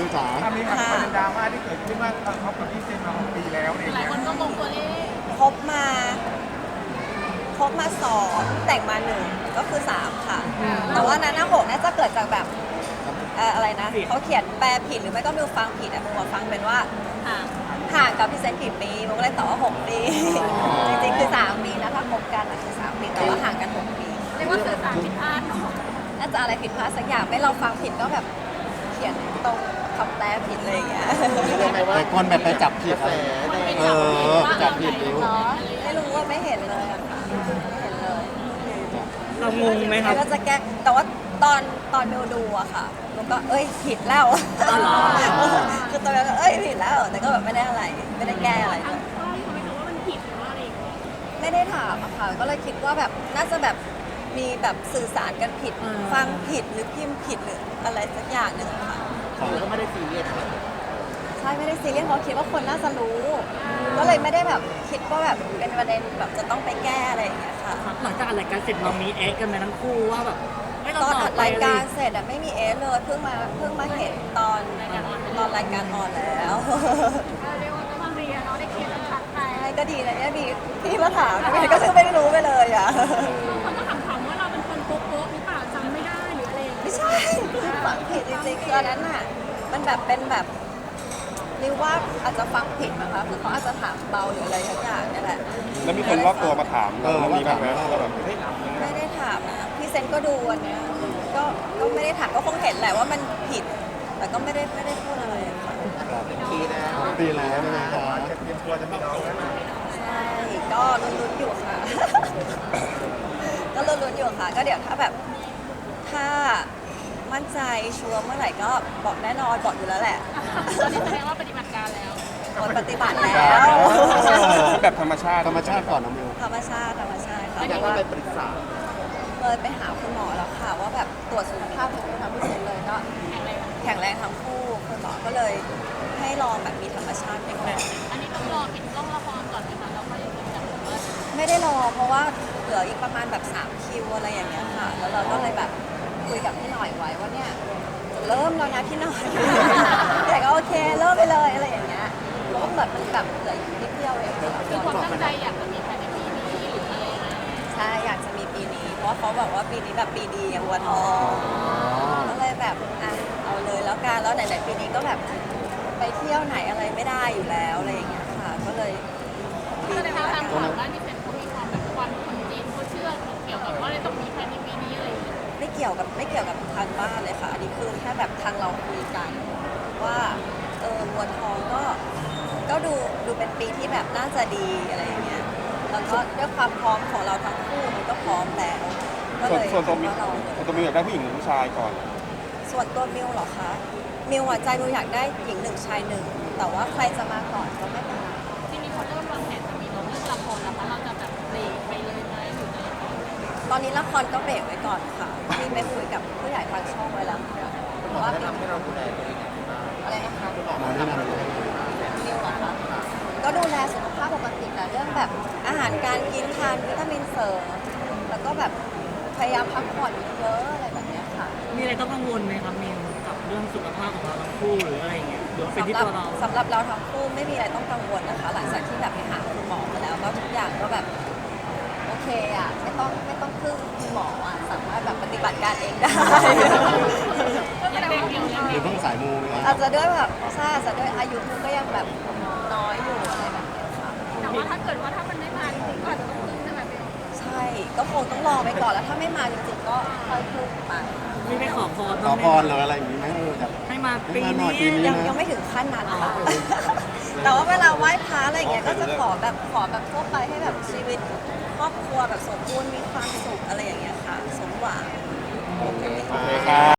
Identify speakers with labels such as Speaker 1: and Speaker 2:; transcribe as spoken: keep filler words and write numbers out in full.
Speaker 1: มิวจ๋า
Speaker 2: ถ้ามีประเด็นดราม่าที่เกิดขึ้นว่าเขากับพี่เซนมาหกปีแล้วอะไรอย่าง
Speaker 3: หลาย
Speaker 2: เงี้ย
Speaker 3: คนก็มองตัวเลข
Speaker 4: คบมาคบมาสองแต่งมาหนึ่งก็คือสามค่ะ แต่ว่านั้นนะหกน่าจะเกิดจากแบบเอ่ออะไรนะเขาเขียนแปลผิดหรือไม่ก็มิวฟังผิดอะมิวฟังเป็นว่า
Speaker 3: ค่ะ
Speaker 4: ห่างกับพี่เซนกี่ปีมิวก็เลยตอบว่าหกปี จริงๆคือสามปีนะถ้าคบกันอะคือสามปีแต่ว่าห่างกันหกปี
Speaker 3: เรียกว่าสื่อสารผิดพลาดเนาะ
Speaker 4: น่าจะอะไรผิดพลาดสักอย่างไม่เราฟังผิดก็แบบเขียนตรงคำแปลผิดเลยอย่างเงี้ย
Speaker 1: แต่คนแบบไปจับผิดอะไร
Speaker 3: มันเป็น
Speaker 1: เอ
Speaker 3: จับผิด
Speaker 1: อ
Speaker 3: ว่า
Speaker 1: จับผิดนิ้ว
Speaker 4: ไม่รู้ว่าไม่เห็นเลยอะค่ะไม่เห็นเลย
Speaker 5: เรางงไหมครับ
Speaker 4: ก็จะแก้แต่ว่าตอนตอนมิวดูอะค่ะมิวก็เอ้ยผิดแล้ว
Speaker 5: อ๋อเหรอ
Speaker 4: คือตอนนั้นก็เอ้ยผิดแล้วแต่ก็แบบไม่ได้อะไรไม่ได้แก้อะไรเลย
Speaker 3: ก็ทำไมคะว่ามันผิดหรือว่าอะไรอย่างเงี้ย
Speaker 4: ไม่ได้ถามอะค่ะก็เลยคิดว่าแบบน่าจะแบบมีแบบสื่อสารกันผิด
Speaker 5: อ่า
Speaker 4: ฟังผิดหรือพิมพ์ผิดหรืออะไรสักอย่างหนึ่งอะค่ะ
Speaker 2: ก็ไม่ได้ซีเรียส
Speaker 4: ใช่ไม่ได้ซีเรียสเพราะคิดว่าคนน่าจะรู้ ก็เลยไม่ได้แบบคิดว่าแบบเป็นประเด็นแบบจะต้องไปแก้อะไรอย่างเงี้ยค่ะ
Speaker 5: หลังจากอัดรายการเสร็จเรามีเอ็กซ์กันไหมทั้งคู่ว่าแบบไม่เรา
Speaker 4: ตอน
Speaker 5: ต่
Speaker 4: อั
Speaker 5: อ
Speaker 4: ด
Speaker 5: ไป
Speaker 4: ราย
Speaker 5: เล
Speaker 4: การ
Speaker 5: ย
Speaker 4: เสร็จอะไม่มีเอสเลยเพิ่งมาเพิ่งมาเห็นตอนตอนรายการออนแล้ว
Speaker 3: เรียกว่าก็มาเรียนเนาะได้เคสชัดๆไป
Speaker 4: ใช่ก็ดีนะเนี่ยมีพี่มาถามก็คือไม่รู้ไปเลยอ่ะ
Speaker 3: บางคนก็ถามๆว่าเราเป็นคนโป๊ะๆหรือเปล่าจำไม่ได้หรืออะไรอย่างเงี้ย
Speaker 4: ไม่ใช่ฟังผิดจริงๆคืออันนั้นอ่ะมันแบบเป็นแบบนิวว่าอาจจะฟังผิดนะคะคือเขาอาจจะถามเบาหรืออะไรทั้งอย่างเนี่ยแหละ
Speaker 2: แล้วมีคนรอบตัวมาถาม
Speaker 1: เออ
Speaker 2: เรา
Speaker 1: ว่า
Speaker 2: มีบ้า
Speaker 1: ถาง ม
Speaker 2: ไหม
Speaker 1: ว่า
Speaker 2: ว่าแบบเฮ้ย
Speaker 4: ไม่ได้ถามนะพี่เซนก็ดูอันเนี้ยก็ก็ไม่ได้ถามก็คงเห็นแหละว่ามันผิด แต่ก็ไม่ได้ไม่ได้พูดอะไรค่ะ
Speaker 2: ปีแล้ว
Speaker 1: ปีแล้วนะคะ
Speaker 2: จะเตรียมตัวจะมีน้องแล้วนะ
Speaker 4: ใช่ก็ลุ้นๆอยู่ค่ะ ก็ลุ้นๆอยู่ค่ะ ก็เดี๋ยวถ้าแบบถ้ามั่นใจชัวร์เมื่อไหร่ก็บอกแน่นอนบอกอยู่แล้วแหละ
Speaker 3: ตอนนี้แสดงว่าปฏิบัติการแล้ว
Speaker 4: หมดปฏิบัติแล้ว
Speaker 2: แบบธรรมชาติ
Speaker 1: ธรรมชาติก่อนนะมิว
Speaker 4: ธรรมชาติธรรมชาติค่ะ
Speaker 2: อยากว่าไปปรึกษา
Speaker 4: เคยไปหาคุณหมอแล้วค่ะ ว่าแบบตรวจสุขภาพของทั้งคู่เลยก็
Speaker 3: แข็งแรง
Speaker 4: แข็งแรงทั้งคู่คุณหมอก็เลยให้ลองแบบมีธรรมชาติไปก่อน
Speaker 3: อันนี้ต้องรอปิดกล้องละครก่อนไหมคะแล้วค่อยจับว่า
Speaker 4: ไม่ได้รอเพราะว่าเหลืออีกประมาณแบบสามคิวอะไรอย่างเงี้ยค่ะ แล้วเราก็เลยแบบคุยกับพี่หน่อยไว้ว่าเนี่ยจะเริ่มแล้วนะพี่หน่อย แต่ก็โอเคเริ่มไปเลยอะไรอย่างเงี้ยเพราะว่าเหมือนมันแบบเหลืออีกนิดเดียวเองค่ะ
Speaker 3: คือความตั้งใจอยากจะมีภายในปีนี้หรืออะไรอย่างเงี้ย
Speaker 4: ใช่อยากจะมีปีนี้ เพราะว่าเขาบอกว่าปีนี้แบบปีดีอย่างวัวทองก็เลยแบบอ่ะเอาเลยแล้วกันแล้วไหนๆปีนี้ก็แบบไปเที่ยวไหนอะไรไม่ได้อยู่แล้วอะไรอย่างเงี้ยค่ะ ก็เลยปี
Speaker 3: แสด
Speaker 4: นี้
Speaker 3: งว่า
Speaker 4: แล้ว
Speaker 3: ทาง
Speaker 4: กัน
Speaker 3: ฝั่งด้านนี้เป็นเขามีความแบบความคนจีนเขาเชื่อเกี่ยวกับว่าเลยต้องมีภายในปีนี้อะไรอย่างเงี้ย
Speaker 4: ไม่เกี่ยวกับไม่เกี่ยวกับทางบ้านเลยค่ะอันนี้คือแค่แบบทางเราคุยกัน ว่าเออวัวทองก็ก็ดูดูเป็นปีที่แบบน่าจะดีอะไรอย่างเงี้ยแล้วก็ด้วยความพร้อมของเราทั้งคู่มันก็พร้อมแล้วก็
Speaker 2: ส่วน
Speaker 4: เลย
Speaker 2: ส่วนตัวมิ
Speaker 4: คิ
Speaker 2: ว
Speaker 4: ดว่าเรา
Speaker 2: ส่วนตัวมิวอยากได้ผู้หญิงหรือผู้ชายก่อน
Speaker 4: ส่วนตัวมิวเหรอคะมิวหัวใจมิวอยากได้หญิงหนึ่งชายหนึ่งแต่ว่าใครจะมาก่อนก็ไม่เป็นไร
Speaker 3: ที่มีคนเริ่มวางแผนจะมีน้องเรื่องละครแล้วคะเราจะแบบเบรกไปเลยไหมหรืออะไร
Speaker 4: ตอนนี้ละครก็เบรกไว้ก่อนค่ะที่ไปคุยกับผู้ใหญ่ทางช่องไว้แล้วค่ะว่าปีนี้อะไรนะคะ
Speaker 1: หมอแนะนำเลย
Speaker 4: มิวเหรอคะก็ดูแลสุขภาพปกติแต่เรื่องแบบอาหารการกินทานวิตามินเสริมแล้วก็แบบพยายามพักผ่อนเยอะๆอะไรแบบเนี้ยค่ะ
Speaker 5: มีอะไรต้องกังวลไหมครับมิวกับเรื่องสุขภาพของเราทั้งคู่หรืออะไรอย่างเงี้ยหรือว่าเป็นที่
Speaker 4: สำหรับ
Speaker 5: ตัวเรา
Speaker 4: สำหรับเราทั้งคู่ไม่มีอะไรต้องกังวลนะคะ หลังจากที่แบบไปหาคุณหมอมาแล้วก็ทุกอย่างก็แบบโอเคอ่ะไม่ต้องไม่ต้องพึ่งคุณหมออ่ะสามารถแบบปฏิบัติการเองได้
Speaker 3: ยังเด็กอยู่ยัง
Speaker 1: ห
Speaker 3: เด็
Speaker 1: รื
Speaker 3: ก
Speaker 1: อเพิ่งสายมูไหมครับ
Speaker 4: อาจจะด้วยแบบใช่อาจจะด้วยอายุมันก็ยังแบบน้อยอยู่อะไรแบบเนี้ยค่ะ
Speaker 3: แต่ว่าถ้าเกิดว่าถ้ามันไม่มาจริงๆก็อาจจะต้องพึ่งใช่ไหมพี่
Speaker 4: ใช่ก็คงต้องรอไปก่อนแล้วถ้าไม่มาจริงๆก็ค่อยพึ่งไป
Speaker 5: มีไปขอพร
Speaker 1: ข
Speaker 5: บ้า
Speaker 1: อง
Speaker 5: ไหม
Speaker 1: พรหรืออะไรอย่างนี้ไหมเออแบบ
Speaker 5: ให้มา
Speaker 1: ให้
Speaker 5: ปี
Speaker 1: มาหน่อยปี
Speaker 5: นี้
Speaker 1: นี้
Speaker 4: ยังยังไม่ถึงขั้นนั้นค่ะ แต่ว่าเวลาไหว้พระอะไรอย่างเงี้ยก็จะขอแบบขอแบบทั่วไปให้แบบชีวิตครอบครัวแบบสมบูรณ์มีความสุขอะไรอย่างเงี้ยค่ะ สมหวัง
Speaker 2: โอเคครับ